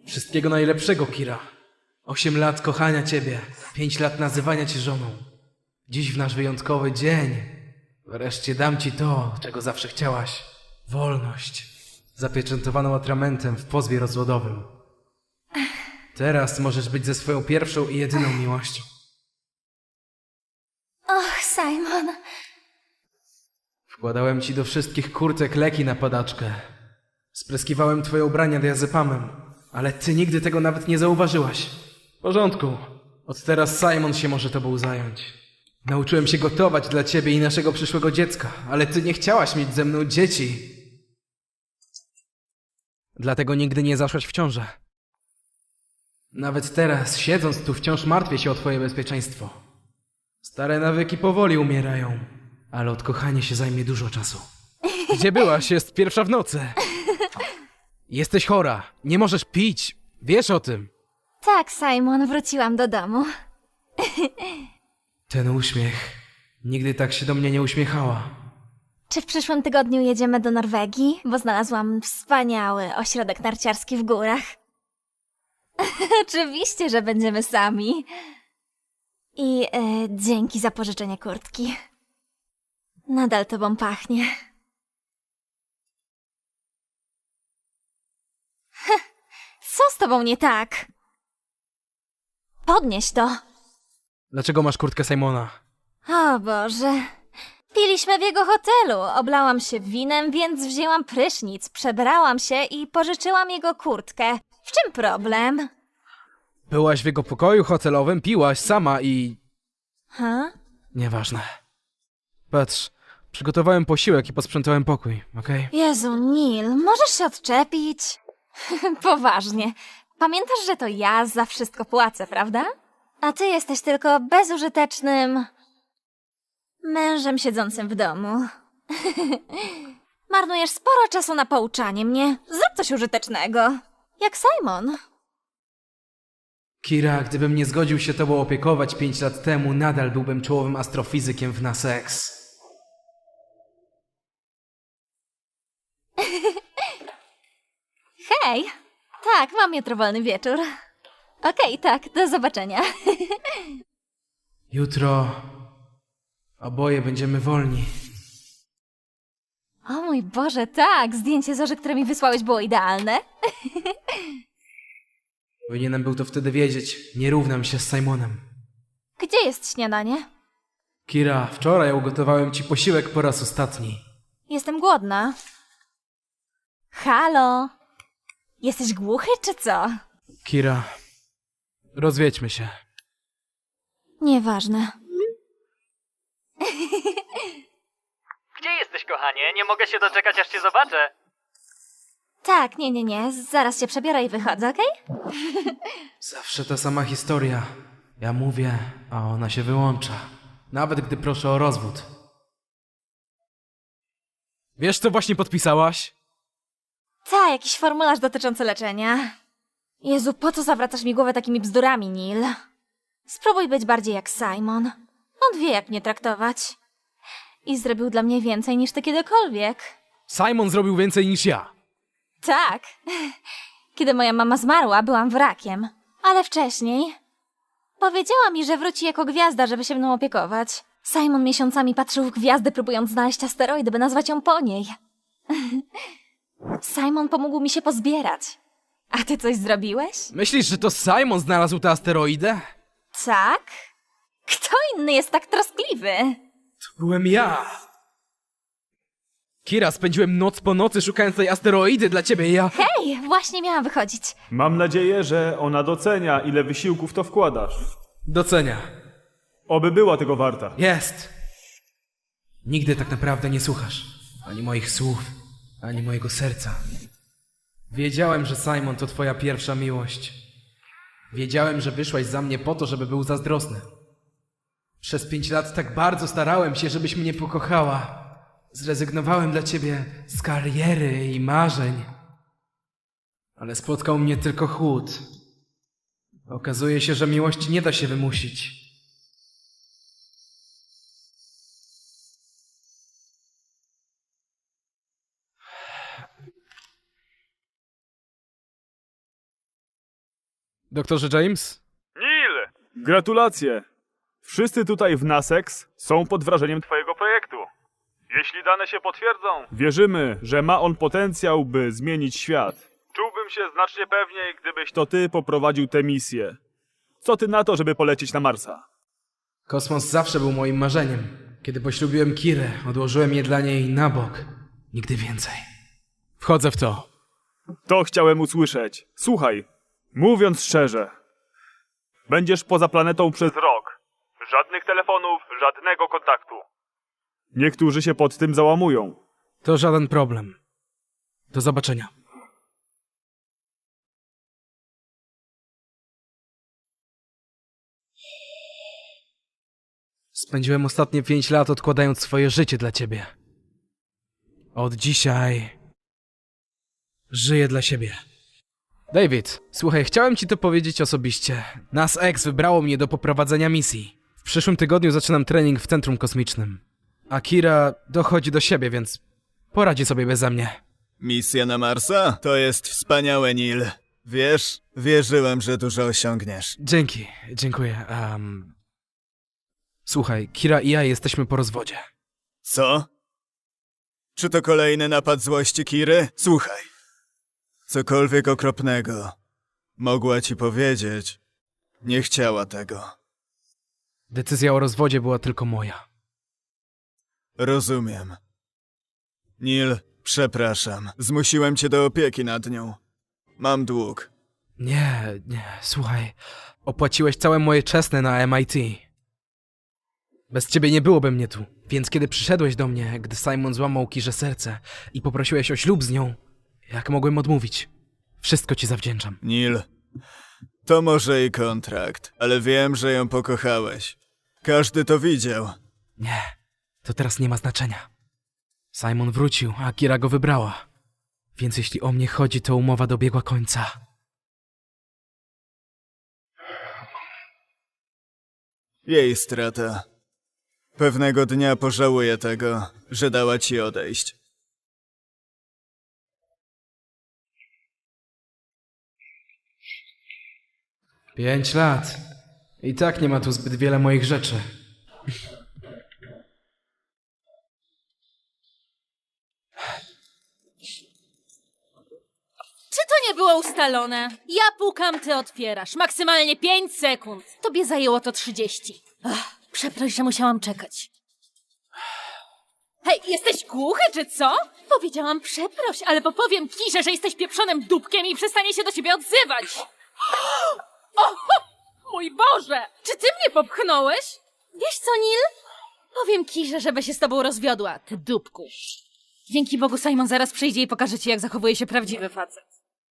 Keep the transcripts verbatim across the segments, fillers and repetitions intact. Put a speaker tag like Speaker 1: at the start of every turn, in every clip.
Speaker 1: Wszystkiego najlepszego, Kira. Osiem lat kochania ciebie, pięć lat nazywania cię żoną. Dziś w nasz wyjątkowy dzień wreszcie dam ci to, czego zawsze chciałaś. Wolność. Zapieczętowaną atramentem w pozwie rozwodowym. Teraz możesz być ze swoją pierwszą i jedyną miłością.
Speaker 2: Och, Simon.
Speaker 1: Wkładałem ci do wszystkich kurtek leki na padaczkę. Spryskiwałem twoje ubrania diazepamem, ale ty nigdy tego nawet nie zauważyłaś. W porządku. Od teraz Simon się może tobą zająć. Nauczyłem się gotować dla ciebie i naszego przyszłego dziecka, ale ty nie chciałaś mieć ze mną dzieci. Dlatego nigdy nie zaszłaś w ciążę. Nawet teraz, siedząc tu, wciąż martwię się o twoje bezpieczeństwo. Stare nawyki powoli umierają, ale odkochanie się zajmie dużo czasu. Gdzie byłaś? Jest pierwsza w nocy. Jesteś chora. Nie możesz pić. Wiesz o tym.
Speaker 2: Tak, Simon, wróciłam do domu.
Speaker 1: Ten uśmiech. Nigdy tak się do mnie nie uśmiechała.
Speaker 2: Czy w przyszłym tygodniu jedziemy do Norwegii? Bo znalazłam wspaniały ośrodek narciarski w górach. Oczywiście, że będziemy sami. I e, dzięki za pożyczenie kurtki. Nadal tobą pachnie. Heh, co z tobą nie tak? Podnieś to.
Speaker 1: Dlaczego masz kurtkę Simona?
Speaker 2: O Boże. Piliśmy w jego hotelu. Oblałam się winem, więc wzięłam prysznic, przebrałam się i pożyczyłam jego kurtkę. W czym problem?
Speaker 1: Byłaś w jego pokoju hotelowym, piłaś sama i...
Speaker 2: Ha?
Speaker 1: Nieważne. Patrz, przygotowałem posiłek i posprzątałem pokój, okej?
Speaker 2: Jezu, Neil, możesz się odczepić? Poważnie. Pamiętasz, że to ja za wszystko płacę, prawda? A ty jesteś tylko bezużytecznym... mężem siedzącym w domu. Marnujesz sporo czasu na pouczanie mnie. Zrób coś użytecznego. Jak Simon.
Speaker 1: Kira, gdybym nie zgodził się tobą opiekować pięć lat temu, nadal byłbym czołowym astrofizykiem w NASEX.
Speaker 2: Hej! Tak, mam jutro wolny wieczór. Okej, tak, do zobaczenia.
Speaker 1: Jutro... oboje będziemy wolni.
Speaker 2: O mój Boże, tak! Zdjęcie Zorzy, które mi wysłałeś, było idealne.
Speaker 1: Powinienem był to wtedy wiedzieć. Nie równam się z Simonem.
Speaker 2: Gdzie jest śniadanie?
Speaker 1: Kira, wczoraj ugotowałem ci posiłek po raz ostatni.
Speaker 2: Jestem głodna. Halo? Jesteś głuchy, czy co?
Speaker 1: Kira, rozwiedźmy się.
Speaker 2: Nieważne.
Speaker 3: Gdzie jesteś, kochanie? Nie mogę się doczekać, aż cię zobaczę.
Speaker 2: Tak, nie, nie, nie. Zaraz się przebiorę i wychodzę, okej?
Speaker 1: Zawsze ta sama historia. Ja mówię, a ona się wyłącza. Nawet gdy proszę o rozwód. Wiesz, co właśnie podpisałaś?
Speaker 2: Tak, jakiś formularz dotyczący leczenia. Jezu, po co zawracasz mi głowę takimi bzdurami, Neil? Spróbuj być bardziej jak Simon. On wie, jak mnie traktować. I zrobił dla mnie więcej niż ty kiedykolwiek.
Speaker 1: Simon zrobił więcej niż ja.
Speaker 2: Tak. Kiedy moja mama zmarła, byłam wrakiem. Ale wcześniej powiedziała mi, że wróci jako gwiazda, żeby się mną opiekować. Simon miesiącami patrzył w gwiazdy, próbując znaleźć asteroidy, by nazwać ją po niej. Simon pomógł mi się pozbierać. A ty coś zrobiłeś?
Speaker 1: Myślisz, że to Simon znalazł tę asteroidę?
Speaker 2: Tak? Kto inny jest tak troskliwy?
Speaker 1: To byłem ja. Kira, spędziłem noc po nocy szukając tej asteroidy dla ciebie i ja...
Speaker 2: Hej, właśnie miałam wychodzić.
Speaker 4: Mam nadzieję, że ona docenia, ile wysiłku w to wkładasz.
Speaker 1: Docenia.
Speaker 4: Oby była tego warta.
Speaker 1: Jest. Nigdy tak naprawdę nie słuchasz. Ani moich słów, ani mojego serca. Wiedziałem, że Simon to twoja pierwsza miłość. Wiedziałem, że wyszłaś za mnie po to, żeby był zazdrosny. Przez pięć lat tak bardzo starałem się, żebyś mnie pokochała. Zrezygnowałem dla ciebie z kariery i marzeń. Ale spotkał mnie tylko chłód. Okazuje się, że miłości nie da się wymusić. Doktorze James?
Speaker 4: Neil! Gratulacje! Wszyscy tutaj w Nasex są pod wrażeniem twojego projektu. Jeśli dane się potwierdzą, wierzymy, że ma on potencjał, by zmienić świat. Czułbym się znacznie pewniej, gdybyś to ty poprowadził tę misję. Co ty na to, żeby polecieć na Marsa?
Speaker 1: Kosmos zawsze był moim marzeniem. Kiedy poślubiłem Kirę, odłożyłem je dla niej na bok. Nigdy więcej. Wchodzę w to.
Speaker 4: To chciałem usłyszeć. Słuchaj, mówiąc szczerze, będziesz poza planetą przez rok. Żadnych telefonów, żadnego kontaktu. Niektórzy się pod tym załamują.
Speaker 1: To żaden problem. Do zobaczenia. Spędziłem ostatnie pięć lat odkładając swoje życie dla ciebie. Od dzisiaj żyję dla siebie. David, słuchaj, chciałem ci to powiedzieć osobiście. Nas X wybrało mnie do poprowadzenia misji. W przyszłym tygodniu zaczynam trening w Centrum Kosmicznym. Akira dochodzi do siebie, więc poradzi sobie beze mnie.
Speaker 5: Misja na Marsa? To jest wspaniałe, Neil. Wiesz, wierzyłem, że dużo osiągniesz.
Speaker 1: Dzięki, dziękuję. Um... Słuchaj, Kira i ja jesteśmy po rozwodzie.
Speaker 5: Co? Czy to kolejny napad złości Kiry? Słuchaj. Cokolwiek okropnego mogła ci powiedzieć, nie chciała tego.
Speaker 1: Decyzja o rozwodzie była tylko moja.
Speaker 5: Rozumiem. Neil, przepraszam. Zmusiłem cię do opieki nad nią. Mam dług.
Speaker 1: Nie, nie, słuchaj. Opłaciłeś całe moje czesne na M I T. Bez ciebie nie byłoby mnie tu, więc kiedy przyszedłeś do mnie, gdy Simon złamał Kirze serce i poprosiłeś o ślub z nią, jak mogłem odmówić? Wszystko ci zawdzięczam.
Speaker 5: Neil, to może i kontrakt, ale wiem, że ją pokochałeś. Każdy to widział.
Speaker 1: Nie, to teraz nie ma znaczenia. Simon wrócił, a Kira go wybrała. Więc jeśli o mnie chodzi, to umowa dobiegła końca.
Speaker 5: Jej strata. Pewnego dnia pożałuję tego, że dała ci odejść.
Speaker 1: Pięć lat. I tak nie ma tu zbyt wiele moich rzeczy.
Speaker 6: Czy to nie było ustalone? Ja pukam, ty otwierasz. Maksymalnie pięć sekund. Tobie zajęło to trzydzieści. Ach, przeproś, że musiałam czekać. Hej, jesteś głuchy, czy co? Powiedziałam przeproś, ale popowiem Kirze, że jesteś pieprzonym dupkiem i przestanie się do ciebie odzywać. O, mój Boże! Czy ty mnie popchnąłeś? Wiesz co, Neil? Powiem Kirze, żeby się z tobą rozwiodła, ty dupku. Dzięki Bogu Simon zaraz przyjdzie i pokaże ci, jak zachowuje się prawdziwy facet.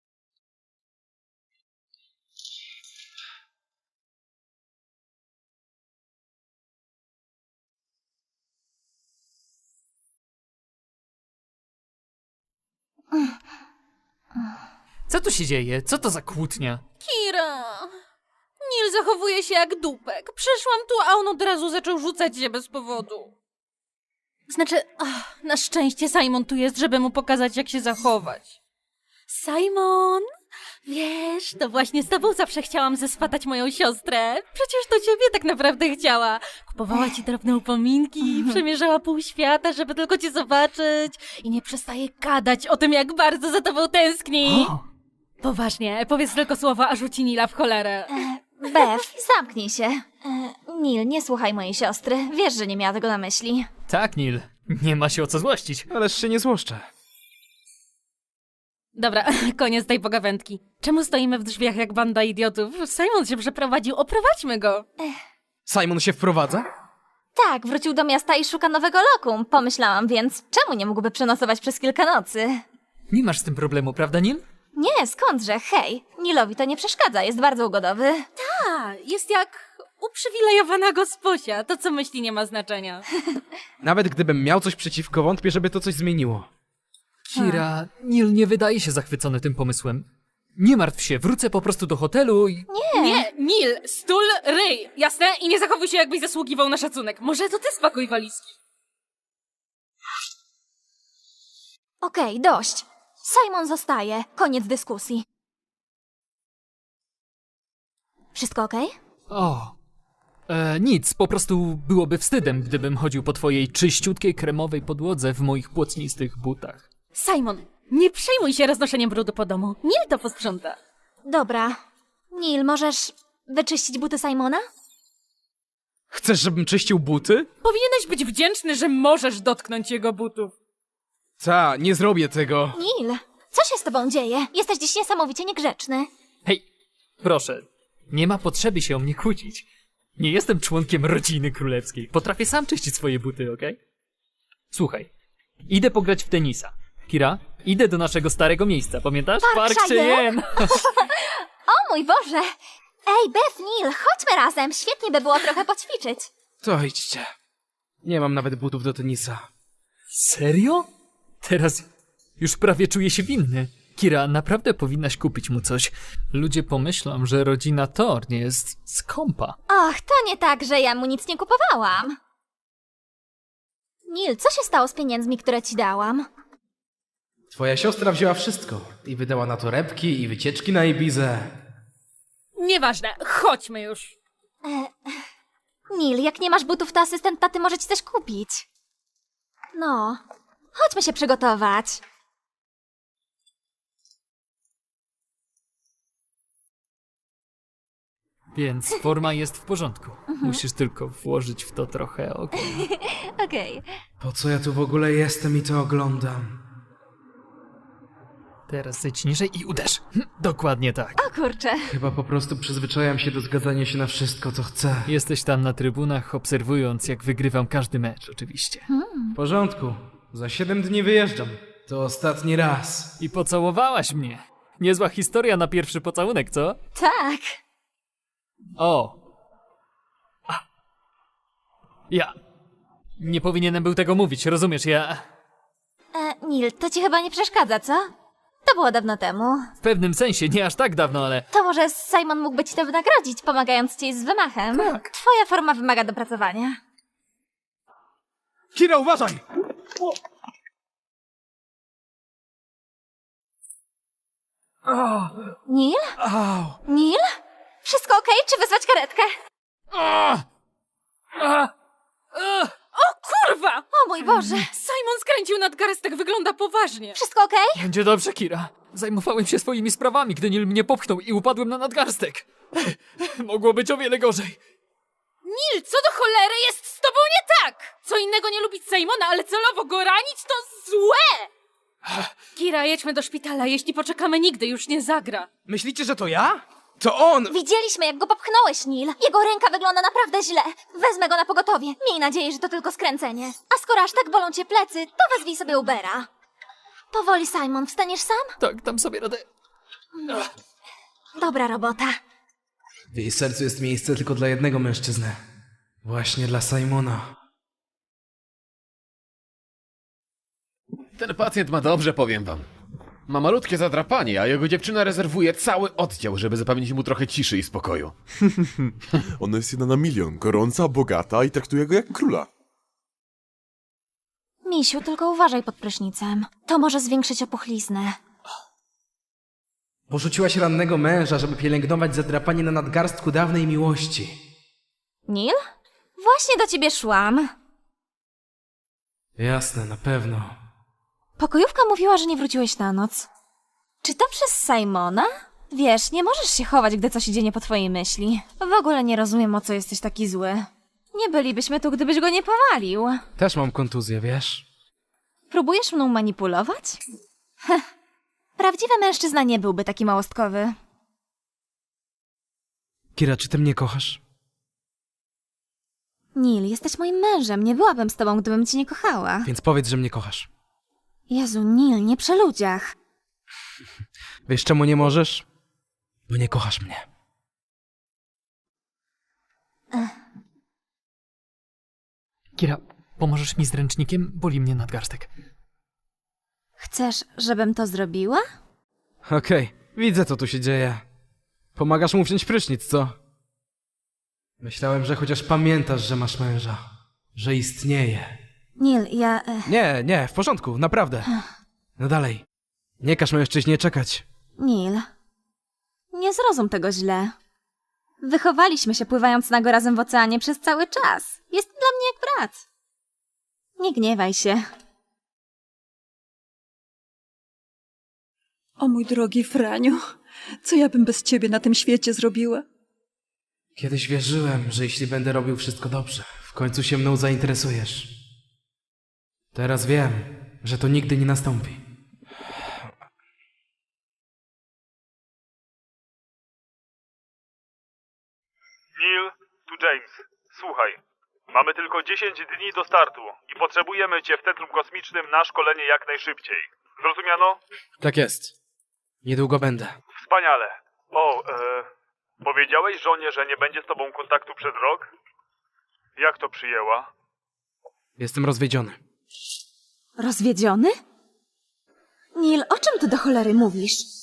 Speaker 3: Co tu się dzieje? Co to za kłótnia?
Speaker 6: Kira! Neil zachowuje się jak dupek. Przyszłam tu, a on od razu zaczął rzucać się bez powodu. Znaczy, ach, na szczęście Simon tu jest, żeby mu pokazać, jak się zachować. Simon! Wiesz, to właśnie z tobą zawsze chciałam zeswatać moją siostrę. Przecież to ciebie tak naprawdę chciała. Kupowała ci drobne upominki, przemierzała pół świata, żeby tylko cię zobaczyć. I nie przestaje gadać o tym, jak bardzo za tobą tęskni.
Speaker 3: O!
Speaker 6: Poważnie, powiedz tylko słowo, a rzuci Nila w cholerę.
Speaker 2: Bev, zamknij się. E, Neil, nie słuchaj mojej siostry. Wiesz, że nie miała tego na myśli.
Speaker 3: Tak, Neil. Nie ma się o co złościć.
Speaker 1: Ależ się nie złoszczę.
Speaker 6: Dobra, koniec tej pogawędki. Czemu stoimy w drzwiach jak banda idiotów? Simon się przeprowadził, oprowadźmy go.
Speaker 1: Simon się wprowadza?
Speaker 2: Tak, wrócił do miasta i szuka nowego lokum. Pomyślałam więc, czemu nie mógłby przenocować przez kilka nocy?
Speaker 3: Nie masz z tym problemu, prawda, Neil?
Speaker 2: Nie, skądże, hej. Nilowi to nie przeszkadza, jest bardzo ugodowy.
Speaker 6: A, jest jak uprzywilejowana gosposia. To, co myśli, nie ma znaczenia.
Speaker 1: Nawet gdybym miał coś przeciwko, wątpię, żeby to coś zmieniło.
Speaker 3: Kira, Neil nie wydaje się zachwycony tym pomysłem. Nie martw się, wrócę po prostu do hotelu i...
Speaker 6: Nie, Nil, stul, ryj, jasne? I nie zachowuj się, jakbyś zasługiwał na szacunek. Może to ty spakuj walizki.
Speaker 2: Okej, dość. Simon zostaje. Koniec dyskusji. Wszystko okej?
Speaker 3: O, e, nic, po prostu byłoby wstydem, gdybym chodził po twojej czyściutkiej kremowej podłodze w moich płocnistych butach.
Speaker 6: Simon, nie przejmuj się roznoszeniem brudu po domu. Neil to posprząta.
Speaker 2: Dobra. Neil, możesz wyczyścić buty Simona?
Speaker 1: Chcesz, żebym czyścił buty?
Speaker 6: Powinieneś być wdzięczny, że możesz dotknąć jego butów.
Speaker 1: Ta, nie zrobię tego.
Speaker 2: Neil, co się z tobą dzieje? Jesteś dziś niesamowicie niegrzeczny.
Speaker 3: Hej, proszę, nie ma potrzeby się o mnie kłócić. Nie jestem członkiem rodziny królewskiej. Potrafię sam czyścić swoje buty, okej? Słuchaj, idę pograć w tenisa. Kira, idę do naszego starego miejsca, pamiętasz?
Speaker 2: Park Cheyenne?
Speaker 3: Cheyenne.
Speaker 2: O mój Boże! Ej, Beth, Neil, chodźmy razem. Świetnie by było trochę poćwiczyć.
Speaker 1: To idźcie. Nie mam nawet butów do tenisa.
Speaker 3: Serio? Teraz już prawie czuję się winny. Kira, naprawdę powinnaś kupić mu coś. Ludzie pomyślą, że rodzina Thorne jest skąpa.
Speaker 2: Och, to nie tak, że ja mu nic nie kupowałam. Neil, co się stało z pieniędzmi, które ci dałam?
Speaker 1: Twoja siostra wzięła wszystko i wydała na torebki i wycieczki na Ibizę.
Speaker 6: Nieważne, chodźmy już.
Speaker 2: Neil, jak nie masz butów, to asystent taty może ci coś kupić. No, chodźmy się przygotować.
Speaker 3: Więc forma jest w porządku. Musisz tylko włożyć w to trochę ognia.
Speaker 2: Okej.
Speaker 1: Po co ja tu w ogóle jestem i to oglądam?
Speaker 3: Teraz zejdź niżej i uderz. Hm, dokładnie tak.
Speaker 2: O kurczę.
Speaker 1: Chyba po prostu przyzwyczajam się do zgadzania się na wszystko, co chcę.
Speaker 3: Jesteś tam na trybunach, obserwując, jak wygrywam każdy mecz, oczywiście.
Speaker 1: W porządku. Za siedem dni wyjeżdżam. To ostatni raz.
Speaker 3: I pocałowałaś mnie. Niezła historia na pierwszy pocałunek, co?
Speaker 2: Tak.
Speaker 3: O! A. Ja. Nie powinienem był tego mówić, rozumiesz? Ja.
Speaker 2: E, Neil, to ci chyba nie przeszkadza, co? To było dawno temu.
Speaker 3: W pewnym sensie, nie aż tak dawno, ale.
Speaker 2: To może Simon mógłby ci to wynagrodzić, pomagając ci z wymachem.
Speaker 3: Tak.
Speaker 2: Twoja forma wymaga dopracowania.
Speaker 1: Kira, uważaj!
Speaker 2: Neil?
Speaker 1: Au!
Speaker 2: Neil? Wszystko okej? Czy wezwać karetkę?
Speaker 6: O kurwa!
Speaker 2: O mój Boże!
Speaker 6: Simon skręcił nadgarstek, wygląda poważnie.
Speaker 2: Wszystko okej?
Speaker 3: Będzie dobrze, Kira. Zajmowałem się swoimi sprawami, gdy Neil mnie popchnął i upadłem na nadgarstek. Mogło być o wiele gorzej.
Speaker 6: Neil, co do cholery jest z tobą nie tak? Co innego nie lubić Simona, ale celowo go ranić to złe! Kira, jedźmy do szpitala, jeśli poczekamy nigdy już nie zagra.
Speaker 1: Myślicie, że to ja? To on!
Speaker 2: Widzieliśmy, jak go popchnąłeś, Neil. Jego ręka wygląda naprawdę źle. Wezmę go na pogotowie. Miej nadzieję, że to tylko skręcenie. A skoro aż tak bolą cię plecy, to wezwij sobie Ubera. Powoli, Simon. Wstaniesz sam?
Speaker 3: Tak, dam sobie radę.
Speaker 2: Dobra robota.
Speaker 1: W jej sercu jest miejsce tylko dla jednego mężczyzny. Właśnie dla Simona.
Speaker 7: Ten pacjent ma dobrze, powiem wam. Ma malutkie zadrapanie, a jego dziewczyna rezerwuje cały oddział, żeby zapewnić mu trochę ciszy i spokoju.
Speaker 8: Ona jest jedna na milion, gorąca, bogata i traktuje go jak króla.
Speaker 2: Misiu, tylko uważaj pod prysznicem. To może zwiększyć opuchliznę.
Speaker 1: Porzuciłaś rannego męża, żeby pielęgnować zadrapanie na nadgarstku dawnej miłości.
Speaker 2: Neil? Właśnie do ciebie szłam.
Speaker 1: Jasne, na pewno.
Speaker 2: Pokojówka mówiła, że nie wróciłeś na noc. Czy to przez Simona? Wiesz, nie możesz się chować, gdy coś idzie nie po twojej myśli. W ogóle nie rozumiem, o co jesteś taki zły. Nie bylibyśmy tu, gdybyś go nie powalił.
Speaker 1: Też mam kontuzję, wiesz?
Speaker 2: Próbujesz mną manipulować? Heh. Prawdziwy mężczyzna nie byłby taki małostkowy.
Speaker 1: Kira, czy ty mnie kochasz?
Speaker 2: Neil, jesteś moim mężem. Nie byłabym z tobą, gdybym cię nie kochała.
Speaker 1: Więc powiedz, że mnie kochasz.
Speaker 2: Jezu, Neil, nie przy ludziach.
Speaker 1: Wiesz, czemu nie możesz? Bo nie kochasz mnie.
Speaker 3: Kira, pomożesz mi z ręcznikiem? Boli mnie nadgarstek.
Speaker 2: Chcesz, żebym to zrobiła?
Speaker 1: Okej, widzę, co tu się dzieje. Pomagasz mu wziąć prysznic, co? Myślałem, że chociaż pamiętasz, że masz męża. Że istnieje.
Speaker 2: Neil, ja... E,
Speaker 1: Nie, nie, w porządku, naprawdę. No dalej. Nie każ mężczyźnie czekać.
Speaker 2: Neil, nie zrozum tego źle. Wychowaliśmy się pływając nago razem w oceanie przez cały czas. Jest dla mnie jak brat. Nie gniewaj się.
Speaker 9: O mój drogi Franiu, co ja bym bez ciebie na tym świecie zrobiła?
Speaker 1: Kiedyś wierzyłem, że jeśli będę robił wszystko dobrze, w końcu się mną zainteresujesz. Teraz wiem, że to nigdy nie nastąpi.
Speaker 4: Neil, tu James. Słuchaj, mamy tylko dziesięć dni do startu i potrzebujemy cię w Centrum Kosmicznym na szkolenie jak najszybciej. Zrozumiano?
Speaker 1: Tak jest. Niedługo będę.
Speaker 4: Wspaniale. O, e, powiedziałeś żonie, że nie będzie z tobą kontaktu przez rok? Jak to przyjęła?
Speaker 1: Jestem rozwiedziony.
Speaker 2: Rozwiedziony? Neil, o czym ty do cholery mówisz?